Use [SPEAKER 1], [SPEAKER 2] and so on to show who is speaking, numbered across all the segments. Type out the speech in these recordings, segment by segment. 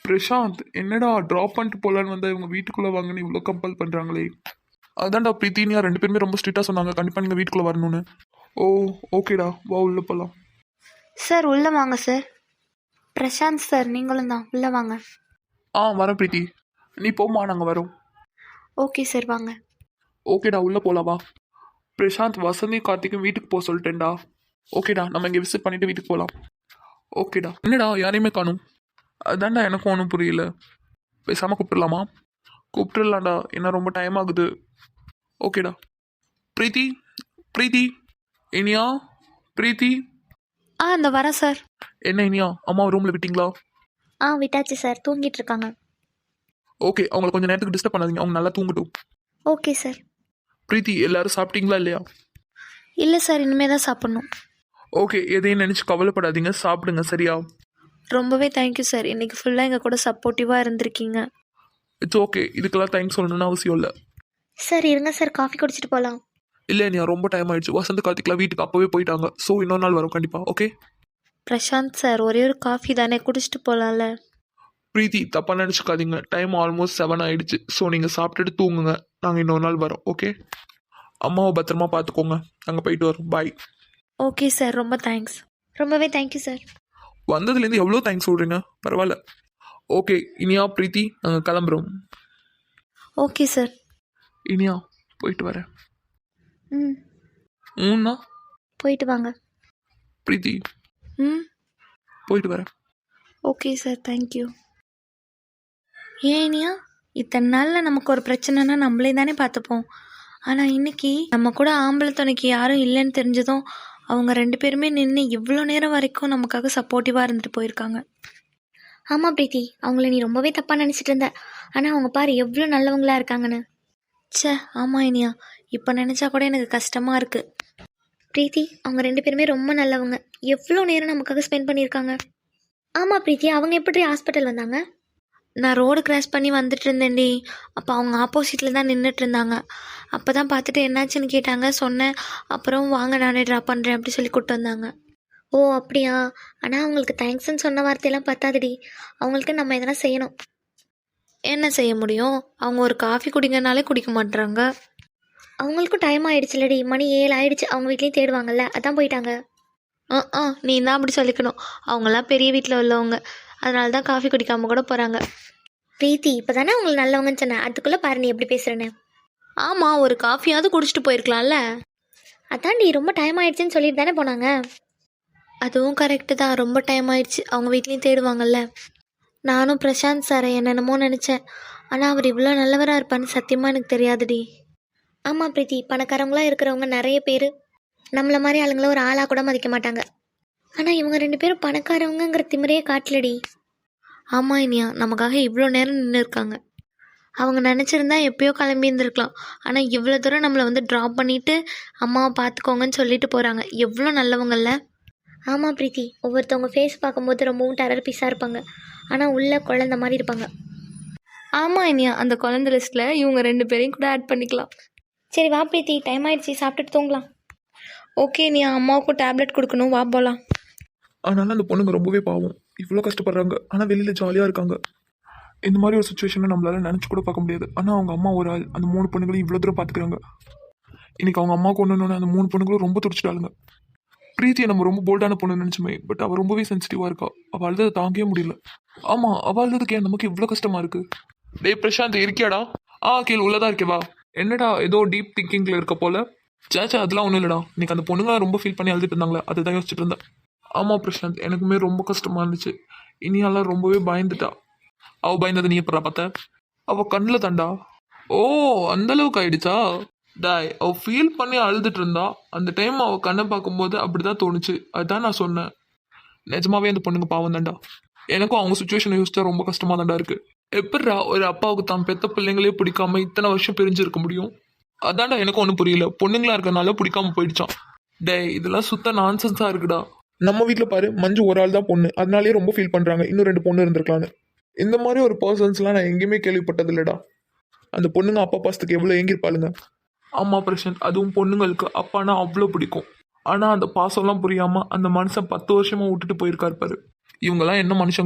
[SPEAKER 1] பிரசாந்த், என்னடா ட்ராப் பண்ணிட்டு போலான்னு வந்தா இவங்க வீட்டுக்குள்ள வாங்கன்னு இவ்வளோ கம்பல் பண்றாங்களே. அதான்டா பிரீத்தினியா 2 பேருமே ரொம்ப ஸ்ட்ரிக்டா சொன்னாங்க, கண்டிப்பா நீங்க வீட்டுக்குள்ள வரணும்னு. ஓ, ஓகேடா, வா உள்ள போலாம்.
[SPEAKER 2] சார் உள்ளே வாங்க சார். பிரசாந்த் சார் நீங்களும் தான் உள்ளே வாங்க.
[SPEAKER 1] வரேன் பிரீத்தி. நீ போமா, நாங்க வரோம்.
[SPEAKER 2] ஓகே சார் வாங்க.
[SPEAKER 1] ஓகேடா, உள்ள போலாம் வா. பிரசாந்த், வசந்தி கார்த்திக்கும் வீட்டுக்கு போக சொல்லிட்டேன்டா. ஓகேடா, நம்ம இங்கே விசிட் பண்ணிட்டு வீட்டுக்கு போகலாம். ஓகேடா. என்னடா யாரையுமே காணும்? அதான்டா எனக்கும் ஒன்றும் புரியல. பேசாம கூப்பிட்டுலாமா? கூப்பிட்டுலாம்டா, என்ன ரொம்ப டைம் ஆகுது. ஓகேடா. பிரீத்தி, பிரீத்தி, இனியா, பிரீத்தி.
[SPEAKER 2] இந்த வரேன் சார்.
[SPEAKER 1] என்ன இனியா, அம்மா ரூம்ல விட்டீங்களா?
[SPEAKER 2] விட்டாச்சு சார், தூங்கிட்டு இருக்காங்க.
[SPEAKER 1] ஓகே, அவங்களை கொஞ்சம் நேரத்துக்கு டிஸ்டர்ப் பண்ணாதீங்க, அவங்க நல்லா தூங்கட்டும்.
[SPEAKER 2] Okay sir.
[SPEAKER 1] பிரீத்தி, எல்லாரும் சாப்பிட்டீங்களா இல்லையா?
[SPEAKER 2] இல்லை சார், இனிமே தான் சாப்பிட்ணும்.
[SPEAKER 1] ஓகே, எதையும் நினச்சி கவலைப்படாதீங்க, சாப்பிடுங்க சரியா?
[SPEAKER 2] ரொம்பவே தேங்க்யூ சார், இன்றைக்கி ஃபுல்லாக எங்கள் கூட சப்போர்ட்டிவாக இருந்திருக்கீங்க.
[SPEAKER 1] இட்ஸ் ஓகே, இதுக்கெல்லாம் தேங்க்ஸ் சொல்லணும்னு அவசியம் இல்லை.
[SPEAKER 2] சார் இருங்க சார், காஃபி குடிச்சிட்டு போகலாம்.
[SPEAKER 1] இல்லை இனியா, ரொம்ப டைம் ஆயிடுச்சு. வசந்த் கார்த்திக்லாம் வீட்டுக்கு அப்போவே போயிட்டாங்க. ஸோ இன்னொரு நாள் வரும் கண்டிப்பா. ஓகே
[SPEAKER 2] பிரசாந்த் சார், ஒரே ஒரு காஃபி தானே, குடிச்சிட்டு போகலாம்ல.
[SPEAKER 1] பிரீத்தி, தப்பா நினச்சிக்காதீங்க, டைம் ஆல்மோஸ்ட் 7 ஆயிடுச்சு. ஸோ நீங்கள் சாப்பிட்டுட்டு தூங்குங்க, நாங்கள் இன்னொரு நாள் வரோம். ஓகே, அம்மாவை பத்திரமா பார்த்துக்கோங்க, நாங்கள் போயிட்டு வரோம். பாய்.
[SPEAKER 2] ஓகே சார், ரொம்ப தேங்க்ஸ். ரொம்பவே தேங்க்யூ சார்.
[SPEAKER 1] வந்ததுலேருந்து எவ்வளோ தேங்க்ஸ் சொல்கிறீங்க, பரவாயில்ல. ஓகே இனியா, பிரீத்தி, நாங்கள் கிளம்புறோம்.
[SPEAKER 2] Okay sir.
[SPEAKER 1] இனியா, போயிட்டு வரேன்.
[SPEAKER 2] ம்
[SPEAKER 1] ஊன்னா
[SPEAKER 2] போயிட்டு வாங்க.
[SPEAKER 1] பிரீத்தி,
[SPEAKER 2] ம்
[SPEAKER 1] போயிட்டு வரேன்.
[SPEAKER 2] Okay sir, thank you. ஏன் இனியா, இத்தனை நாளில் நமக்கு ஒரு பிரச்சனைனா நம்மளே தானே பார்த்துப்போம். ஆனால் இன்னைக்கு நம்ம கூட ஆம்பளை துணைக்கு யாரும் இல்லைன்னு தெரிஞ்சதும் அவங்க 2 பேருமே நின்று இவ்வளோ நேரம் வரைக்கும் நமக்காக சப்போர்ட்டிவாக இருந்துட்டு போயிருக்காங்க. ஆமாம் பிரீத்தி, அவங்கள நீ ரொம்பவே தப்பாக நினச்சிட்டு இருந்த. ஆனால் அவங்க பாரு எவ்வளோ நல்லவங்களா இருக்காங்கன்னு. ச்சே, ஆமாம் இனியா, இப்போ நினச்சா கூட எனக்கு கஷ்டமாக இருக்குது. பிரீத்தி, அவங்க 2 பேருமே ரொம்ப நல்லவங்க. எவ்வளோ நேரம் நமக்காக ஸ்பெண்ட் பண்ணியிருக்காங்க. ஆமாம் பிரீத்தி, அவங்க எப்படி ஹாஸ்பிட்டல் வந்தாங்க? நான் ரோடு கிராஸ் பண்ணி வந்துட்டு இருந்தேன்டி. அப்போ அவங்க ஆப்போசிட்டில் தான் நின்றுட்டு இருந்தாங்க. அப்போ தான் பார்த்துட்டு என்னாச்சுன்னு கேட்டாங்க, சொன்னேன். அப்புறம் வாங்க நானே ட்ராப் பண்ணுறேன் அப்படி சொல்லி கூப்பிட்டு வந்தாங்க. ஓ அப்படியா? ஆனால் அவங்களுக்கு தேங்க்ஸ்ன்னு சொன்ன வார்த்தையெல்லாம் பத்தாதுடி, அவங்களுக்கு நம்ம எதனா செய்யணும். என்ன செய்ய முடியும்? அவங்க ஒரு காஃபி குடிங்கனாலே குடிக்க மாட்டுறாங்க. அவங்களுக்கும் டைம் ஆயிடுச்சுலடி, மணி 7 ஆயிடுச்சு. அவங்க வீட்லேயும் தேடுவாங்கல்ல, அதான் போயிட்டாங்க. நீ தான் அப்படி சொல்லிக்கணும். அவங்களாம் பெரிய வீட்டில் உள்ளவங்க, அதனால தான் காஃபி குடிக்காமல் கூட போகிறாங்க. பிரீத்தி, இப்போ தானே அவங்களுக்கு நல்லவங்கன்னு சொன்னேன், அதுக்குள்ளே பாரு நீ எப்படி பேசுகிறேன்னு. ஆமாம், ஒரு காஃபியாவது குடிச்சிட்டு போயிருக்கலாம்ல. அதான்டி, ரொம்ப டைம் ஆயிடுச்சுன்னு சொல்லிட்டு தானே போனாங்க. அதுவும் கரெக்டு தான், ரொம்ப டைம் ஆயிடுச்சு. அவங்க வீட்லேயும் தேடுவாங்கல்ல. நானும் பிரசாந்த் சாரை என்னென்னமோ நினச்சேன். ஆனால் அவர் இவ்வளோ நல்லவராக இருப்பான்னு சத்தியமாக எனக்கு தெரியாதுடி. ஆமாம் பிரீத்தி, பணக்காரங்களாக இருக்கிறவங்க நிறைய பேர் நம்மளை மாதிரி ஆளுங்களை ஒரு ஆளாக கூட மதிக்க மாட்டாங்க. ஆனால் இவங்க 2 பேரும் பணக்காரவங்கிற திமிரையே காட்டலடி. ஆமாம் இனியா, நமக்காக இவ்வளோ நேரம் நின்று இருக்காங்க. அவங்க நினச்சிருந்தா எப்பயோ கிளம்பி இருந்திருக்கலாம். ஆனால் இவ்வளோ தூரம் நம்மளை வந்து ட்ராப் பண்ணிவிட்டு அம்மாவை பார்த்துக்கோங்கன்னு சொல்லிட்டு போகிறாங்க. எவ்வளோ நல்லவங்கள்ல. ஆமாம் பிரீத்தி, ஒவ்வொருத்தவங்க ஃபேஸ் பார்க்கும்போது ரொம்பவும் டெரர் பீஸாக இருப்பாங்க, ஆனால் உள்ள குழந்த மாதிரி இருப்பாங்க. ஆமாம் இனியா, அந்த குழந்தை லிஸ்ட்டில் இவங்க 2 பேரையும் கூட ஆட் பண்ணிக்கலாம். சரி வா பிரீத்தி, டைம் ஆயிடுச்சு, சாப்பிட்டுட்டு தூங்கலாம். ஓகே இனியா, அம்மாவுக்கும் டேப்லெட் கொடுக்கணும், வா போகலாம்.
[SPEAKER 1] அதனால அந்த பொண்ணுங்க ரொம்பவே பாவம், இவ்வளோ கஷ்டப்படுறாங்க, ஆனால் வெளியில் ஜாலியாக இருக்காங்க. இந்த மாதிரி ஒரு சுச்சுவேஷனை நம்மளால நினச்சி கூட பார்க்க முடியாது. ஆனால் அவங்க அம்மா ஒரு ஆள் அந்த 3 பொண்ணுங்களையும் இவ்வளோ தூரம் பார்த்துக்கிறாங்க. இன்னைக்கு அவங்க அம்மாவுக்கு ஒன்றுன்னு அந்த 3 பொண்ணுங்களும் ரொம்ப துடிச்சிட்டாளுங்க. பிரீத்தியை நம்ம ரொம்ப போல்டான பொண்ணு நினச்சுமே, பட் அவள் ரொம்பவே சென்சிட்டிவாக இருக்கா. அவள் அழுதை தாங்கவே முடியல. ஆமாம், அவள் அழுதுக்கு ஏன் நமக்கு இவ்வளோ கஷ்டமாக இருக்குது. டேய் பிரசாந்த், இருக்கியாடா? கீழே உள்ளதா இருக்கேவா? என்னடா ஏதோ டீப் திங்கிங்கில் இருக்க போல. சேச்சா, அதெல்லாம் ஒன்றும் இல்லைடா. இன்னைக்கு அந்த பொண்ணுங்க ரொம்ப ஃபீல் பண்ணி அழுதுட்டு இருந்தாங்களே, அதை தான் யோசிச்சுட்டு இருந்தேன். ஆமாம் பிரசாந்த், எனக்குமே ரொம்ப கஷ்டமாக இருந்துச்சு. இனியாலாம் ரொம்பவே பயந்துட்டா. அவள் பயந்தது நீ எப்படா பார்த்த? அவள் கண்ணில் தாண்டா. ஓ, அந்தளவுக்கு ஆயிடுச்சா? டாய், அவள் ஃபீல் பண்ணி அழுதுட்டு இருந்தா. அந்த டைம் அவள் கண்ணை பார்க்கும்போது அப்படி தான் தோணுச்சு. அதுதான் நான் சொன்னேன். நிஜமாவே அந்த பொண்ணுங்க பாவம் தாண்டா. எனக்கும் அவங்க சுச்சுவேஷனை யோசிச்சா ரொம்ப கஷ்டமாக தாண்டா இருக்குது. எப்படிடா ஒரு அப்பாவுக்கு தான் பெத்த பிள்ளைங்களே பிடிக்காம இத்தனை வருஷம் பிரிஞ்சிருக்க முடியும்? அதான்டா எனக்கும் ஒன்றும் புரியல. பொண்ணுங்களா இருக்கனால பிடிக்காம போயிடுச்சான். டே, இதெல்லாம் சுத்த நான்சென்ஸாக இருக்குடா. நம்ம வீட்டில் பாரு, மஞ்சு ஒரு ஆள் தான் பொண்ணு, அதனாலேயே ரொம்ப ஃபீல் பண்ணுறாங்க. இன்னும் 2 பொண்ணு இருந்திருக்கலான்னு. இந்த மாதிரி ஒரு பர்சன்ஸ்லாம் நான் எங்கேயுமே கேள்விப்பட்டது இல்லைடா. அந்த பொண்ணுங்க அப்பா பாசத்துக்கு எவ்வளோ ஏங்கிருப்பாளுங்க. ஆமாம் பிரசாந்த், அதுவும் பொண்ணுங்களுக்கு அப்பானா அவ்வளோ பிடிக்கும். ஆனால் அந்த பாசம்லாம் புரியாமல் அந்த மனுஷன் 10 வருஷமாக விட்டுட்டு போயிருக்காரு பாரு. இவங்கெல்லாம் என்ன மனுஷங்களோ.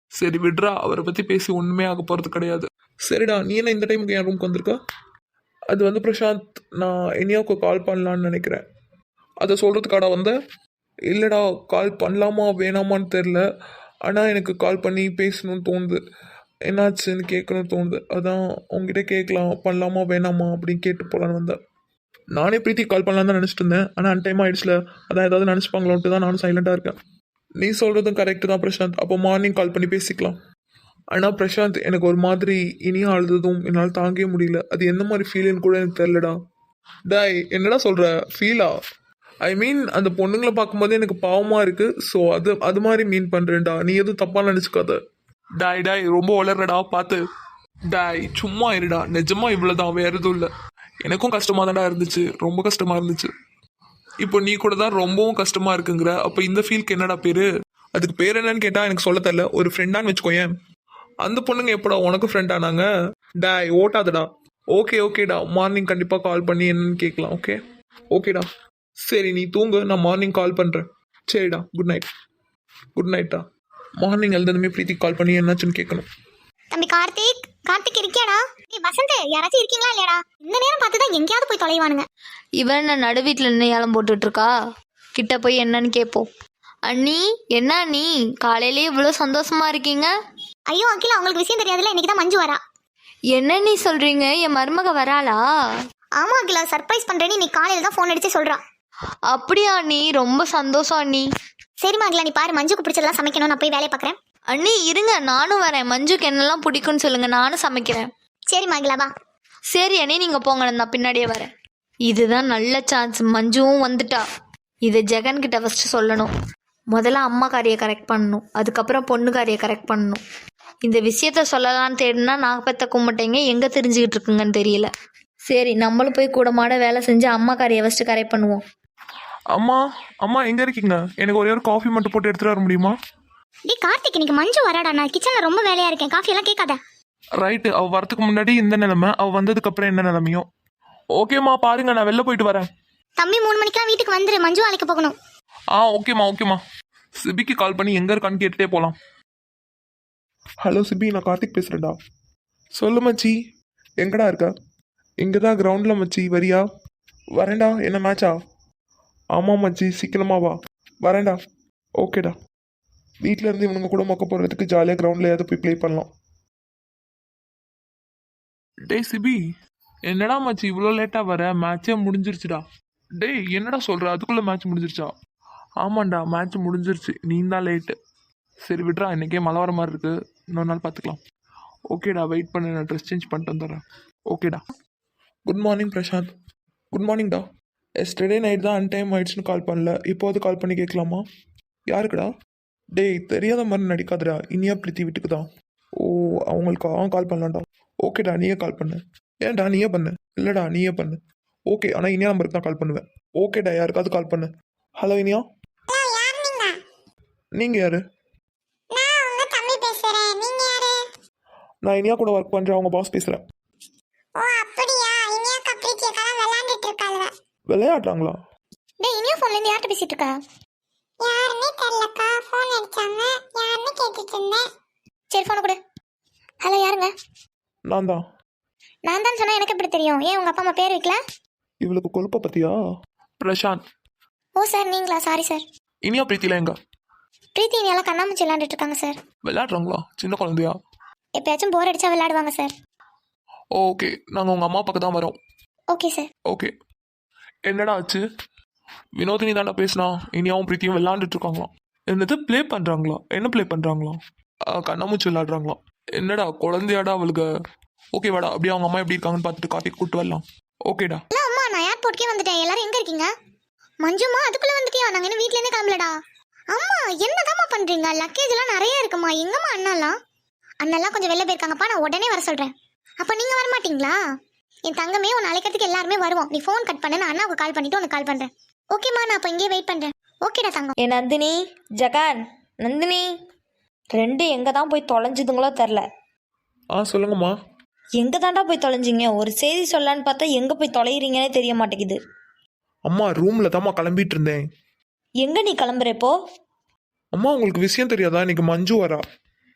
[SPEAKER 1] சரி விட்றா, அவரை பற்றி பேசி ஒன்றுமே ஆக போகிறது கிடையாது. சரிடா, நீ என்ன இந்த டைமுக்கு என் ரூம்க்கு வந்திருக்க? அது வந்து பிரசாந்த், நான் இனியாவுக்கு கால் பண்ணலான்னு நினைக்கிறேன். அதை சொல்கிறதுக்காடா வந்தேன்? இல்லைடா, கால் பண்ணலாமா வேணாமான்னு தெரில. ஆனால் எனக்கு கால் பண்ணி பேசணும்னு தோணுது. என்னாச்சுன்னு கேட்கணும்னு தோணுது. அதான் உங்ககிட்ட கேட்கலாம், பண்ணலாமா வேணாமா அப்படின்னு கேட்டு போகலான்னு வந்தேன். நானே பிரீத்தி கால் பண்ணலான்னு தான் நினச்சிட்டு இருந்தேன். ஆனால் அன் டைம் ஆயிடுச்சுல, அதான் ஏதாவது நினச்சிப்பாங்களோன்ட்டு தான் நானும் சைலண்டாக இருக்கேன். நீ சொல்கிறதும் கரெக்டு தான் பிரசாந்த். அப்போ மார்னிங் கால் பண்ணி பேசிக்கலாம். ஆனால் பிரசாந்த், எனக்கு ஒரு மாதிரி இனியா அழுததும் என்னால் தாங்கவே முடியல. அது எந்த மாதிரி ஃபீலுன்னு கூட எனக்கு தெரிலடா. டாய், என்னடா சொல்கிற? ஃபீலா? ஐ மீன், அந்த பொண்ணுங்களை பார்க்கும்போது எனக்கு பாவமாக இருக்குது. ஸோ அது மாதிரி மீன் பண்ணுறேன்டா. நீ எதுவும் தப்பாக நினச்சிக்காத. டாய் ரொம்ப வளர்றடா பார்த்து. டாய் சும்மா இருடா, நிஜமா இவ்வளோதான், வேற எதுவும் இல்லை. எனக்கும் கஷ்டமாக தான்டா இருந்துச்சு, ரொம்ப கஷ்டமாக இருந்துச்சு. இப்போ நீ கூட தான் ரொம்பவும் கஷ்டமாக இருக்குங்கிற. அப்போ இந்த ஃபீலுக்கு என்னடா பேர்? அதுக்கு பேர் என்னன்னு கேட்டால் எனக்கு சொல்ல தெரில. ஒரு ஃப்ரெண்டான்னு வச்சுக்கோயேன். அந்த பொண்ணுங்க எப்படா உனக்கு ஃப்ரெண்ட் ஆனாங்க? டாய் ஓட்டாதடா. ஓகேடா, மார்னிங் கண்டிப்பாக கால் பண்ணி என்னன்னு கேட்கலாம். ஓகேடா. சரி நீ தூங்கு, நான் மார்னிங் கால் பண்ணுறேன். சரிடா, குட் நைட்டா. மார்னிங் எழுந்ததுமே பிரீத்தி கால் பண்ணி என்னாச்சுன்னு கேட்கணும்.
[SPEAKER 3] தம்பி கார்த்திக் இருக்கியாடா? ஏய் வசந்த், யாராச்சும் இருக்கீங்களா இல்லையாடா? இந்த நேரம் பார்த்து தான் எங்கேயாவது போய் தொலைவானுங்க.
[SPEAKER 2] இவன் என்ன நடு வீட்டில் நின்று ஏலம் போட்டுட்டு இருக்கா? கிட்ட போய் என்னன்னு கேட்போம். அண்ணி, என்ன அண்ணி காலையிலேயே இவ்வளோ சந்தோஷமா இருக்கீங்க?
[SPEAKER 3] ஐயோ அகிலா, உங்களுக்கு விஷயம் தெரியாதுல்ல, இன்னைக்கு தான் மஞ்சு வரா.
[SPEAKER 2] என்ன நீ சொல்றீங்க? என் மருமக வராளா?
[SPEAKER 3] ஆமா அகிலா, சர்ப்ரைஸ் பண்றேன்னு இன்னைக்கு காலையில தான் ஃபோன் அடிச்சு சொல்றா.
[SPEAKER 2] அப்படியா அண்ணி? ரொம்ப சந்தோஷம் அண்ணி.
[SPEAKER 3] சரிம்மா அகிலா, நீ பாரு, மஞ்சுக்கு பிடிச்சதெல்லாம் சமைக்கணும், நான் போய் வேலையை பார்க்குறேன்.
[SPEAKER 2] அண்ணி இருங்க, நானும் வரேன். மஞ்சுக்கு என்னெல்லாம் பிடிக்கும்னு சொல்லுங்க, நானும் சமைக்கிறேன்.
[SPEAKER 3] சரிம்மா அகிலா, வா.
[SPEAKER 2] சரி அண்ணி, நீங்க போங்க, நான் பின்னாடியே வரேன். இதுதான் நல்ல சான்ஸ். மஞ்சுவும் வந்துட்டா. இதை ஜெகன் கிட்ட ஃபர்ஸ்ட் சொல்லணும். முதல்ல அம்மா காரியை கரெக்ட் பண்ணணும், அதுக்கப்புறம் பொண்ணு காரியை கரெக்ட் பண்ணணும். இந்த விஷயத்த சொல்லலான்னு தேடினா நாகப்பத்த கும்பிட்டேங்க எங்கே தெரிஞ்சுக்கிட்டு இருக்குங்கன்னு தெரியல. சரி, நம்மளும் போய் கூட மாட வேலை செஞ்சு அம்மா காரியை ஃபஸ்ட்டு கரெக்ட் பண்ணுவோம்.
[SPEAKER 1] அம்மா எங்கே இருக்கீங்க? எனக்கு ஒரே ஒரு காஃபி மட்டும் போட்டு எடுத்துகிட்டு வர முடியுமா?
[SPEAKER 3] டேய் கார்த்திக், இன்னைக்கு மஞ்சு வராடா, நான் கிச்சனில் ரொம்ப வேலையா இருக்கேன், காஃபி எல்லாம் கேட்காத.
[SPEAKER 1] ரைட்டு, அவள் வரத்துக்கு முன்னாடி இந்த நிலைமை, அவள் வந்ததுக்கப்புறம் என்ன நிலைமையும். ஓகேம்மா, பாருங்க, நான் வெளில போயிட்டு வரேன்.
[SPEAKER 3] தம்பி 3 மணிக்கெல்லாம் வீட்டுக்கு வந்துரு, மஞ்சு அழைக்க போகணும்.
[SPEAKER 1] ஓகேம்மா. சிபிக்கு கால் பண்ணி எங்கே இருக்கான்னு கேட்டுட்டே போகலாம். ஹலோ சிபி, நான் கார்த்திக் பேசுகிறேன்டா. சொல்லு மச்சி, எங்கடா இருக்க? இங்கே தான் கிரவுண்டில் மச்சி, வரியா? வரேன்டா. என்ன மேட்சா? ஆமாம் மச்சி, சீக்கிரமா வா. வரேன்டா. ஓகேடா. வீட்டில் இருந்து இவனுங்க கூட மொக்க போடுறதுக்கு ஜாலியாக கிரவுண்டில் ஏதாவது போய் ப்ளே பண்ணலாம். டேய் சிபி, என்னடா மச்சி இவ்வளோ லேட்டாக வர? மேட்சே முடிஞ்சிருச்சுடா. டேய் என்னடா சொல்கிற? அதுக்குள்ளே மேட்ச் முடிஞ்சிருச்சா? ஆமாண்டா, மேட்ச் முடிஞ்சிருச்சு, நீ தான் லேட்டு. சரி விட்றா, இன்றைக்கே மழை வர மாதிரி இருக்குது, இன்னொரு நாள் பார்த்துக்கலாம். ஓகேடா, வெயிட் பண்ணு, நான் ட்ரெஸ் சேஞ்ச் பண்ணிட்டு வந்துடுறேன். ஓகேடா. Good morning Prashanth. குட் மார்னிங்டா. எஸ்டர்டே நைட் தான் அன்டைம் ஆயிடுச்சுன்னு கால் பண்ணல, இப்போது கால் பண்ணி கேட்கலாமா? யாருக்குடா? டேய் தெரியாத மாதிரி நடிக்காதடா, இனியா பிரீத்தி வீட்டுக்கு தான். ஓ, அவங்களுக்கு கால் பண்ணலாம்டா. ஓகேடா, நீயே கால் பண்ணு. ஏன்டா நீயே பண்ணு? இல்லைடா நீயே பண்ணு. ஓகே, ஆனால் இனியா நம்பருக்கு தான் கால் பண்ணுவேன். ஓகேடா, யாருக்காவது கால் பண்ணு. ஹலோ இனியா. நீங்கள் யாரு? நான் இனியா கூட ஒர்க் பண்ணுறேன், அவங்க பாஸ் பேசுகிறேன். விளையாடுறாங்களா?
[SPEAKER 3] டேய் இனியா ஃபோன்ல இருந்து யார்கிட்ட பேசிட்டு இருக்க? யாருமே தெரியலக்கா, ஃபோன் அடிச்சாங்க, யாருன்னு கேட்டுட்டு இருந்தேன். சரி ஃபோன் கொடு. ஹலோ, யாருங்க?
[SPEAKER 1] நான் தான்
[SPEAKER 3] சொன்னா எனக்கு எப்படி தெரியும்? ஏன் உங்க அப்பா அம்மா பேர் வைக்கல?
[SPEAKER 1] இவளுக்கு கொழுப்ப பத்தியா? பிரசாந்த்.
[SPEAKER 3] ஓ சார், நீங்களா? Sorry sir.
[SPEAKER 1] இனியா பிரீத்தில எங்க?
[SPEAKER 3] பிரீத்தி இனியால கண்ணாமூச்சி விளையாண்டுட்டு இருக்காங்க சார்.
[SPEAKER 1] விளையாடுறாங்களா? சின்ன குழந்தையா?
[SPEAKER 3] எப்பயாச்சும் போர் அடிச்சா விளையாடுவாங்க சார்.
[SPEAKER 1] ஓகே, நாங்கள் உங்கள் அம்மா பக்கம் தான் வரோம்.
[SPEAKER 3] Okay sir.
[SPEAKER 1] ஓகே. என்னடா ஆச்சு? வினோதினி தாண்டா பேசினா, இனியாவும் பிரீத்தியும் விளையாண்டுட்டு இருக்காங்களாம். என்னது ப்ளே பண்ணுறாங்களா? என்ன ப்ளே பண்ணுறாங்களாம்? கண்ணாமூச்சி விளையாடுறாங்களாம். என்னடா குழந்தையாடா அவளுக்கு? ஓகே வாடா, அப்படியே அவங்க அம்மா எப்படி இருக்காங்கன்னு பார்த்துட்டு கார்த்திக் கூப்பிட்டு வரலாம். ஓகேடா.
[SPEAKER 3] ஹலோ அம்மா, நான் ஏர்போர்ட்கே வந்துட்டேன். எல்லாரும் எங்க இருக்கீங்க? மஞ்சுமா, அதுக்குள்ள வந்துட்டியா? நாங்க இன்னும் வீட்ல இருந்தே கிளம்பலடா. அம்மா என்னதாம்மா பண்றீங்க? லக்கேஜ் எல்லாம் நிறைய இருக்குமா? எங்கம்மா அண்ணெல்லாம் கொஞ்சம் வெளில போயிருக்காங்கப்பா, நான் உடனே வர சொல்றேன். அப்ப நீங்க வர மாட்டீங்களா? என் தங்கமே, உன்னை அழைக்கிறதுக்கு எல்லாருமே வருவோம். நீ ஃபோன் கட் பண்ண, நான் அண்ணாவுக்கு கால் பண்ணிட்டு உனக்கு கால் பண்றேன். ஓகேம்மா, நான் அப்ப இங்கேயே வெயிட் பண்றேன். ஓகேடா தங்கம்.
[SPEAKER 2] ஏ நந்தினி, ஜகான், நந்தினி ரெண்டு எங்கே தான் போய் தொலைஞ்சுதுங்களோ தெரில.
[SPEAKER 1] சொல்லுங்கம்மா.
[SPEAKER 2] எங்கே தாண்டா போய் தொலைஞ்சிங்க? ஒரு செய்தி சொல்லலான்னு பார்த்தா எங்கே போய் தொலைகிறீங்கன்னே தெரிய மாட்டேங்குது.
[SPEAKER 1] அம்மா ரூமில் தாம்மா கிளம்பிட்டு இருந்தேன்.
[SPEAKER 2] எங்கே நீ கிளம்புறப்போ?
[SPEAKER 1] அம்மா உங்களுக்கு விஷயம் தெரியாதா? இன்னைக்கு மஞ்சு வரா.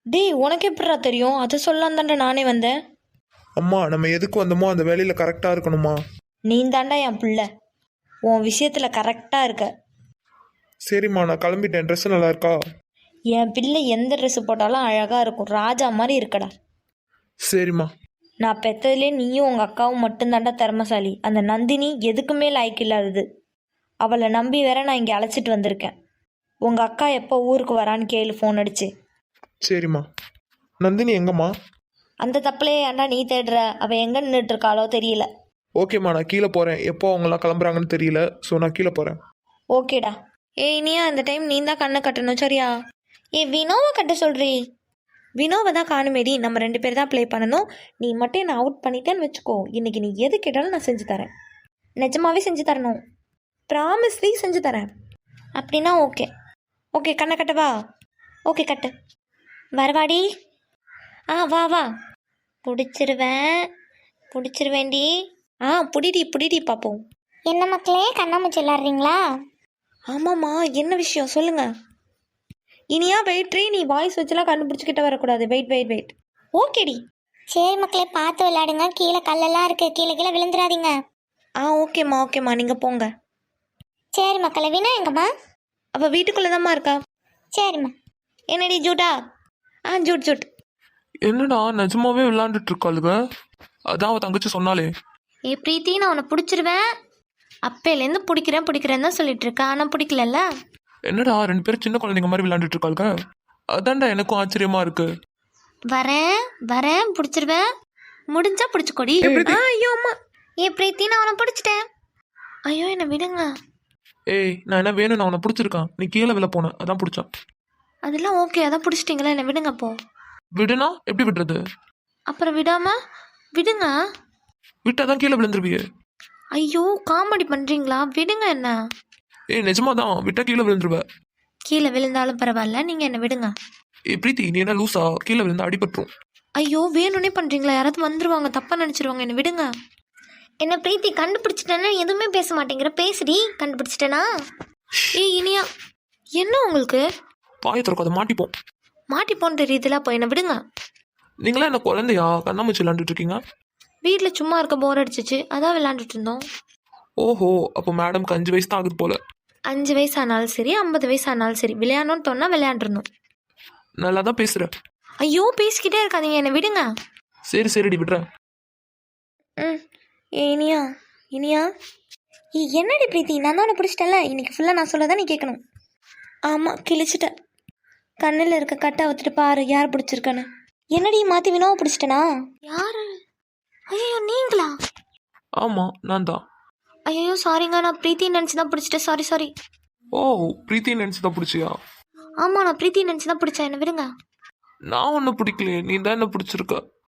[SPEAKER 2] டேய் உனக்கு எப்படிடா தெரியும்? அதை சொல்லலாம் தாண்டா நானே வந்தேன்.
[SPEAKER 1] அம்மா நம்ம எதுக்கு வந்தோமோ அந்த வேலையில் கரெக்டாக இருக்கணுமா?
[SPEAKER 2] நீ தாண்டா என் பிள்ளை, உன் விஷயத்தில் கரெக்டாக இருக்க.
[SPEAKER 1] சரிம்மா நான் கிளம்பிட்டேன். ட்ரெஸ் நல்லா இருக்கா?
[SPEAKER 2] என் பிள்ளை எந்த ட்ரெஸ் போட்டாலும் அழகாக இருக்கும், ராஜா மாதிரி இருக்கடா.
[SPEAKER 1] சரிம்மா.
[SPEAKER 2] நான் பெற்றதுலே நீயும் உங்கள் அக்காவும் மட்டும்தாண்டா திறமசாலி. அந்த நந்தினி எதுக்குமே லாய்க்கு இல்லாதது. அவளை நம்பி வேற நான் இங்கே அழைச்சிட்டு வந்திருக்கேன். உங்கள் அக்கா எப்போ ஊருக்கு வரான்னு கேளு ஃபோன் அடிச்சு.
[SPEAKER 1] சரிம்மா. நந்தினி எங்கம்மா?
[SPEAKER 2] அந்த தப்பிலே ஏன்டா நீ தேடுற? அவள் எங்கே நின்றுட்டு இருக்காளோ தெரியல.
[SPEAKER 1] ஓகேம்மா நான் கீழே போகிறேன். எப்போ அவங்களாம் கிளம்புறாங்கன்னு தெரியல. ஸோ நான் கீழே போகிறேன்.
[SPEAKER 2] ஓகேடா. ஏய் இனியா, இந்த டைம் நீ தான் கண்ணை கட்டணும் சரியா? வினோவை கட்ட சொல்றீ? வினோவை தான் காணுமேடி. நம்ம 2 பேர் தான் ப்ளே பண்ணணும். நீ மட்டும் என்னை அவுட் பண்ணிட்டேன்னு வச்சுக்கோ, இன்னைக்கு நீ எது கேட்டாலும் நான் செஞ்சு தரேன். நிஜமாவே செஞ்சு தரணும். ப்ராமிஸ்லி செஞ்சு தரேன். அப்படின்னா ஓகே. ஓகே கண்ணை கட்டவா? ஓகே கட்டு. வரவாடி. வா வா. பிடிச்சிருவேண்டி. புடிடி பார்ப்போம்.
[SPEAKER 3] என்ன மக்களே, கண்ணாமூச்சி விளாடுறீங்களா?
[SPEAKER 2] ஆமாம்மா, என்ன விஷயம் சொல்லுங்க. இனியா வெயிட்ரி, நீ வாய்ஸ் வச்சுலாம் கண்டுபிடிச்சிக்கிட்ட வரக்கூடாது. வெயிட். ஓகேடி.
[SPEAKER 3] சரி மக்களே, பார்த்து விளையாடுங்க. கீழே கல்லெல்லாம் இருக்கு, கீழே விழுந்துடாதீங்க.
[SPEAKER 2] ஓகேம்மா நீங்கள் போங்க.
[SPEAKER 3] சரி மக்களே, வினா எங்கம்மா?
[SPEAKER 2] அவள் வீட்டுக்குள்ளே தான்மா இருக்கா.
[SPEAKER 3] சரிம்மா.
[SPEAKER 2] என்னடி ஜூட்டா? ஜூட்.
[SPEAKER 1] என்னடா நிஜமாவே விளையாண்டுட்டு இருக்காளுங்க? அதான் அவள் தங்கச்சி சொன்னாலே.
[SPEAKER 2] பிரீத்தி, நான் உன்னை பிடிச்சிருவேன். அப்பையிலேருந்து பிடிக்கிறேன் தான் சொல்லிட்டு இருக்கா, ஆனால் பிடிக்கலல்ல.
[SPEAKER 1] என்னடா 2 பேரும் சின்ன குழந்தைங்க மாதிரி விளையாண்டுட்டு இருக்காளுங்க? அதான்டா எனக்கும் ஆச்சரியமா இருக்கு.
[SPEAKER 2] வரேன் பிடிச்சிருவேன். முடிஞ்சா பிடிச்சிக்கொடி. ஐயோ அம்மா. பிரீத்தி, நான் உன்னை பிடிச்சிட்டேன். ஐயோ என்னை விடுங்க.
[SPEAKER 1] ஏய் நான் என்ன வேணும், நான் உன்னை பிடிச்சிருக்கான். நீ கீழே விழ போன, அதான் பிடிச்சா.
[SPEAKER 2] அதெல்லாம் ஓகே, அதான் பிடிச்சிட்டிங்களா, என்னை விடுங்க அப்போ.
[SPEAKER 1] விடுனா எப்படி விடுறது?
[SPEAKER 2] அப்புறம் விடுங்க.
[SPEAKER 1] விட்டாதான் கீழே விழுந்துருவியே.
[SPEAKER 2] ஐயோ காமெடி பண்ணுறீங்களா? விடுங்க என்ன.
[SPEAKER 1] ஏய் நிஜமாதான், விட்டா கீழே விழுந்துருவ.
[SPEAKER 2] கீழே விழுந்தாலும் பரவாயில்ல, நீங்கள் என்ன விடுங்க.
[SPEAKER 1] பிரீத்தி நீ என்ன லூசா? கீழே விழுந்தா அடிபட்டுரும்.
[SPEAKER 2] ஐயோ வேணும்னே பண்ணுறீங்களா? யாராவது வந்துருவாங்க, தப்பாக நினச்சிருவாங்க, என்ன விடுங்க.
[SPEAKER 3] என்ன பிரீத்தி, கண்டுபிடிச்சிட்டேன்னா எதுவுமே பேச மாட்டேங்கிற, பேசுடி. கண்டுபிடிச்சிட்டேனா?
[SPEAKER 2] இனியா, என்ன உங்களுக்கு?
[SPEAKER 1] பாய திறக்காத, மாட்டிப்போம்.
[SPEAKER 2] மாட்டிப்போன்னு தெரியுதுல, அப்போ என்ன விடுங்க.
[SPEAKER 1] நீங்களா என்ன குழந்தையா? கண்ணாமூச்சி விளையாண்டுட்டு இருக்கீங்க?
[SPEAKER 2] வீட்டில் சும்மா இருக்க போர் அடிச்சிச்சு, அதான் விளையாண்டுட்டு இருந்தோம்.
[SPEAKER 1] ஓஹோ, அப்போ மேடம்க்கு 5 வயசு தான் ஆகுது போல.
[SPEAKER 2] 5 வயசு ஆனாலும் சரி, 50 வயசு ஆனாலும் சரி, விளையாடணும்னு தோணா விளையாண்டுருந்தோம்.
[SPEAKER 1] நல்லா தான் பேசுற.
[SPEAKER 2] ஐயோ பேசிக்கிட்டே இருக்காதீங்க, என்னை விடுங்க.
[SPEAKER 1] சரிடி விடுறேன்.
[SPEAKER 2] இனியா என்னடி பிரீத்தி, நான் தான் உன்னை பிடிச்சிட்டேன்ல, இன்னைக்கு ஃபுல்லாக நான் சொல்லதான் நீ கேட்கணும். ஆமாம் கிழிச்சிட்டேன். கண்ணில் இருக்க கட்டை அவுத்துட்டு பாரு யார் பிடிச்சிருக்கான்னு. என்னடி மாற்றி வினோவை பிடிச்சிட்டேனா? யாரு? ஐயோ நீங்களா?
[SPEAKER 1] ஆமா நான் தான்.
[SPEAKER 2] ஐயோ சாரிங்க, நான் பிரீத்தி நினச்சி தான் பிடிச்சிட்டேன். சாரி.
[SPEAKER 1] ஓ பிரீத்தி நினைச்சு தான் பிடிச்சியா?
[SPEAKER 2] ஆமாம், நான் பிரீத்தி நினச்சி தான் பிடிச்சேன், என்ன விடுங்க.
[SPEAKER 1] நான் ஒன்னும் பிடிக்கலையே, நீ தான் என்ன பிடிச்சிருக்க.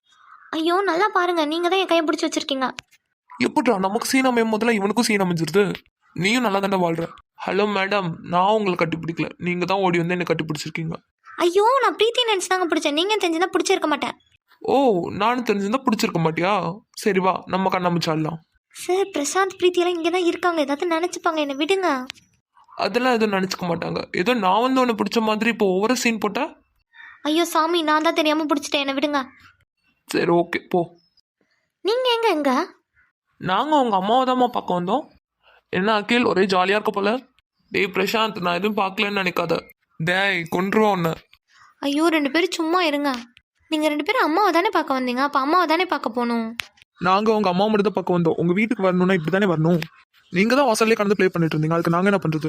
[SPEAKER 2] ஐயோ நல்லா பாருங்க, நீங்கள் தான் என் கையை பிடிச்சி வச்சிருக்கீங்க.
[SPEAKER 1] எப்படா நமக்கு சீன் அமையும் முதல்ல இவனுக்கும் சீன் அமைஞ்சிருது. நீயும் நல்லா தானே வாழ்ற. ஹலோ மேடம், நான் உங்களை கட்டி பிடிக்கல, நீங்க தான் ஓடி வந்து என்ன கட்டி பிடிச்சிருக்கீங்க.
[SPEAKER 2] ஐயோ நான் பிரீத்தி நினச்சி தாங்க பிடிச்சேன், நீங்கள் தெரிஞ்சுதான் பிடிச்சிருக்க மாட்டேன்.
[SPEAKER 1] ஓ நானும் தெரிஞ்சிருந்தா பிடிச்சிருக்க மாட்டியா? சரி வா நம்ம கண்ணாமூச்சாடலாம்.
[SPEAKER 2] சார் பிரசாந்த் பிரீத்தியெல்லாம் இங்கே தான் இருக்காங்க, ஏதாவது நினச்சிப்பாங்க, என்னை விடுங்க.
[SPEAKER 1] அதெல்லாம் எதுவும் நினச்சிக்க மாட்டாங்க. ஏதோ நான் வந்து உன்னை பிடிச்ச மாதிரி இப்போ ஒவ்வொரு சீன் போட்டா.
[SPEAKER 2] ஐயோ சாமி, நான் தான் தெரியாமல் பிடிச்சிட்டேன், என்னை விடுங்க.
[SPEAKER 1] சரி ஓகே போ.
[SPEAKER 2] நீங்கள் எங்க?
[SPEAKER 1] நாங்கள் உங்கள் அம்மாவை தான்மா பார்க்க வந்தோம். என்ன அகில் ஒரே ஜாலியாக இருக்க போல. டேய் பிரசாந்த், நான் எதுவும் பார்க்கலன்னு நினைக்காத. டேய் கொன்றுவா உன்னை.
[SPEAKER 2] ஐயோ 2 பேரும் சும்மா இருங்க. நீங்கள் 2 பேரும் அம்மாவை தானே பார்க்க வந்தீங்க, அப்போ அம்மாவை தானே பார்க்க போகணும்.
[SPEAKER 1] நாங்கள் உங்கள் அம்மா மட்டும் தான் பார்க்க வந்தோம். உங்கள் வீட்டுக்கு வரணும்னா இப்படி தானே வரணும். நீங்கள் தான் வாசல்லே கடந்து ப்ளே பண்ணிட்டு இருந்தீங்க, அதுக்கு நாங்கள் என்ன பண்ணுறது?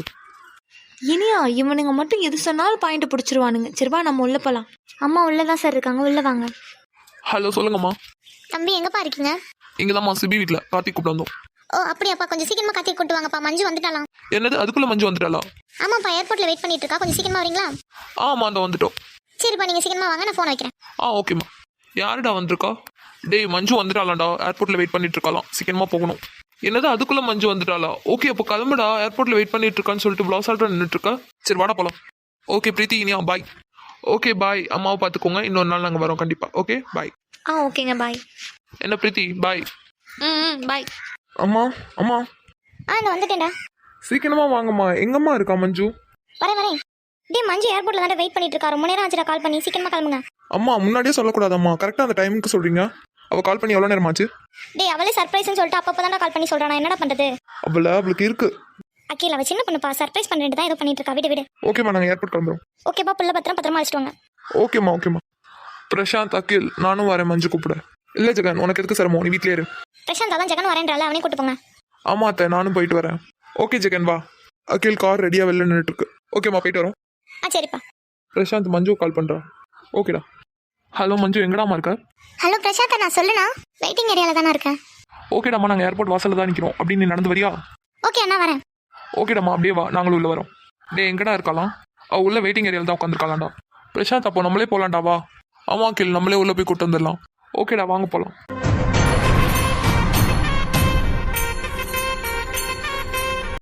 [SPEAKER 2] இனியா இவனுங்க மட்டும் எது சொன்னாலும் பாயிண்ட் பிடிச்சிருவானுங்க. சரிவா நம்ம உள்ள போகலாம்.
[SPEAKER 3] அம்மா உள்ளதான் சார் இருக்காங்க, உள்ள வாங்க.
[SPEAKER 1] ஹலோ சொல்லுங்கம்மா.
[SPEAKER 3] தம்பி எங்கப்பா இருக்கீங்க?
[SPEAKER 1] இங்கே தான்மா சிபி வீட்டில் கார்த்திக் கூப்பிட்டு வந்தோம்.
[SPEAKER 3] ஓ அப்படியாப்பா, கொஞ்சம் சீக்கிரமா கார்த்திக் கூட்டு வாங்கப்பா, மஞ்சு வந்துட்டாலாம்.
[SPEAKER 1] என்னது அதுக்குள்ளே மஞ்சு வந்துட்டாளா?
[SPEAKER 3] ஆமாப்பா, ஏர்போர்ட்ல வெயிட் பண்ணிட்டு இருக்கா, கொஞ்சம் சீக்கிரமா வரீங்களா?
[SPEAKER 1] ஆமாம் அந்த வந்துட்டோம்.
[SPEAKER 3] சரிப்பா, நீங்க சீக்கிரமா வாங்க, நான் ஃபோன் வைக்கிறேன்.
[SPEAKER 1] ஓகேம்மா. யாருடா வந்திருக்கா? டேய் மஞ்சு வந்துட்டாளாண்டா, ஏர்போர்ட்டில் வெயிட் பண்ணிட்டு இருக்கலாம், சீக்கிரமாக போகணும். என்னது அதுக்குள்ளே மஞ்சு வந்துட்டாளா? ஓகே அப்போ கிளம்புடா, ஏர்போர்ட்டில் வெயிட் பண்ணிட்டு இருக்கான்னு சொல்லிட்டு ப்ளவுஸ் ஆல்ட்டாக நின்றுட்டு இருக்கா. சரி வாடா போகலாம். Okay Preethi Iniya bye. Okay bye, அம்மாவை பார்த்துக்கோங்க, இன்னொரு நாள் நாங்கள் வரோம் கண்டிப்பாக. Okay bye.
[SPEAKER 2] ஓகேங்க பாய்.
[SPEAKER 1] என்ன பிரீத்தி பாய்.
[SPEAKER 2] பாய்.
[SPEAKER 1] அம்மா அம்மா
[SPEAKER 3] இந்த வந்துட்டேன்டா.
[SPEAKER 1] சீக்கிரமா வாங்கம்மா. எங்கம்மா இருக்கா மஞ்சு?
[SPEAKER 3] வரேன். டேய் மஞ்சு ஏர்போர்ட்ல தான் வெயிட் பண்ணிட்டு இருக்கா. ரொம்ப நேரம் ஆச்சுடா கால் பண்ணி. சீக்கிரமா கிளம்புங்க.
[SPEAKER 1] அம்மா முன்னாடியே சொல்லக்கூடாதம்மா, கரெக்டாக அந்த டைமுக்கு சொல்கிறீங்க. அவள் கால் பண்ணி எவ்வளோ நேரம் ஆச்சு?
[SPEAKER 3] டேய் அவளே சர்ப்ரைஸ்னு சொல்லிட்டு அப்பப்போ தான் கால் பண்ணி சொல்றா. நான் என்னடா பண்றது?
[SPEAKER 1] அவளுக்கு இருக்கு.
[SPEAKER 3] அகில் அவ சின்ன பொண்ணுப்பா. சர்ப்ரைஸ் பண்ணிட்டு தான் ஏதோ பண்ணிட்டு இருக்கா. விடு விடு.
[SPEAKER 1] ஓகேம்மா, நாங்கள் ஏர்போர்ட் கிளம்புறோம்.
[SPEAKER 3] ஓகேப்பா, புள்ள பத்திரமா அழைச்சிட்டு வாங்க.
[SPEAKER 1] ஓகேம்மா. பிரசாந்த், அகில், நானும் வரேன் மஞ்சு கூப்பிட. இல்லை ஜெகன், உனக்கு எதுக்கு சிரமம், நீ வீட்லயே இரு.
[SPEAKER 3] பிரசாந்த் அதான் ஜெகன் வரேன்றால, அவனே கூட்டு போங்க.
[SPEAKER 1] ஆமா அத்தை, நானும் போயிட்டு வரேன். ஓகே ஜெகன் வா. அகில் கார் ரெடியாக வெளில நின்றுட்டு இருக்கு. ஓகேம்மா, போயிட்டு வரோம்.
[SPEAKER 3] சரிப்பா.
[SPEAKER 1] பிரசாந்த் மஞ்சு கால் பண்ணுறா. ஓகேடா. ஹலோ மஞ்சு, எங்கடாமா இருக்க?
[SPEAKER 3] ஹலோ பிரசாந்த், நான் சொல்லுண்ணா. வெயிட்டிங் ஏரியால தானே இருக்கேன்.
[SPEAKER 1] ஓகேடாம்மா, நாங்கள் ஏர்போர்ட் வாசலில் தான் நிற்கிறோம். அப்படி நீ நடந்து வரியா?
[SPEAKER 3] ஓகே அண்ணா வரேன்.
[SPEAKER 1] ஓகேடாம்மா, அப்படியே வா, நாங்களும் உள்ள வரோம். டே எங்கடா இருக்கலாம்? அவள் உள்ள வெயிட்டிங் ஏரியாவில் தான் உட்காந்துருக்காளாண்டா. பிரசாந்த், அப்போ நம்மளே போகலாண்டா வா. ஆமா அகில், நம்மளே உள்ள போய் கூட்டு வந்துடலாம். ஓகேடா, வாங்க போகலாம்.